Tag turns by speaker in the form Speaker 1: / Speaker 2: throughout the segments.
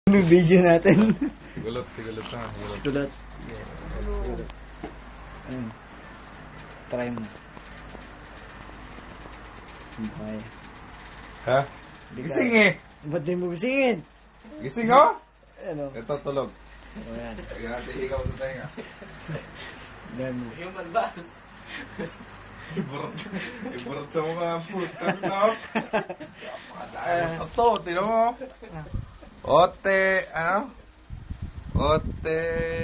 Speaker 1: May video natin.
Speaker 2: Sigulot na.
Speaker 1: Tulot. Ayun. Try mo. Okay.
Speaker 2: Ha? Gising eh!
Speaker 1: Ba't di mo gisingin?
Speaker 2: Gising oh!
Speaker 1: Ano?
Speaker 2: Ito tulog.
Speaker 1: Ayan.
Speaker 2: Lagyan natin ikaw sa tenga.
Speaker 1: Ayan mo.
Speaker 3: Human bass.
Speaker 2: Iburot sa mga puta no? Ito, tino mo. Ote, ano? Ote...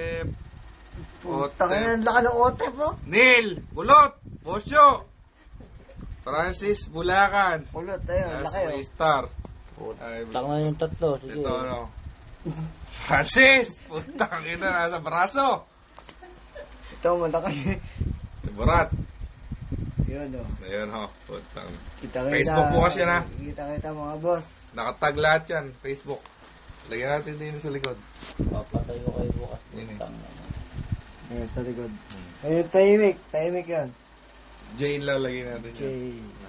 Speaker 1: Taka na, laka ng ote po.
Speaker 2: Neil! Bulot! Bosyo! Francis Bulacan.
Speaker 1: Ulot, ayun, laki
Speaker 2: May
Speaker 1: oh.
Speaker 2: star. Ay,
Speaker 3: Taka na yung tatlo. Sige.
Speaker 2: ito ano? Francis! Putang ina, nasa braso.
Speaker 1: Ito, malaki.
Speaker 2: Burat.
Speaker 1: Yun oh.
Speaker 2: Ayun ho, putang.
Speaker 1: Kita-kita.
Speaker 2: Facebook bukas yan, ha?
Speaker 1: Kita-kita mga boss.
Speaker 2: Nakatag lahat yan, Facebook. Lagyan natin din sa likod.
Speaker 3: Papatay ko kayo bukas.
Speaker 2: Yun eh.
Speaker 1: Ayun, sa likod. Ayun, tahimik. Tahimik yan.
Speaker 2: Jane lang lagyan natin yan.
Speaker 1: Okay.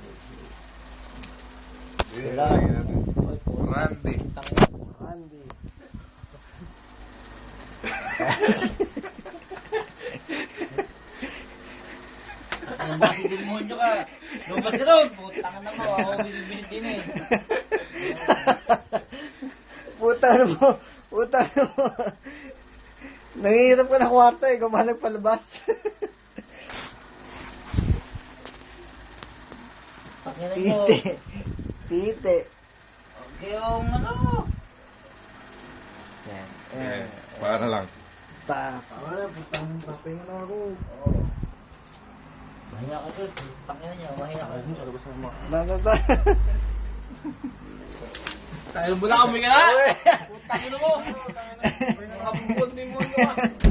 Speaker 2: Jane lang lagyan natin. Randy.
Speaker 1: Andy.
Speaker 3: Lumabas din mo nyo ka. Lumabas ka doon. Putang na mo. Ako binibisit din eh.
Speaker 1: Puta na mo. Puta na mo. Nangihirap ka na kwarto eh. Kung ba nagpalabas.
Speaker 3: Pakinan mo.
Speaker 1: Tite. Tite.
Speaker 3: Okay yung ano.
Speaker 1: Yan.
Speaker 2: Eh, para lang.
Speaker 1: Wala, putang papahinga na ako.
Speaker 3: Mahina ka sus. Pakinan nyo. Mahina ka.
Speaker 1: Nandata.
Speaker 3: Tayo mo na kami ka na. Putang ina mo. Nakabubot din mo.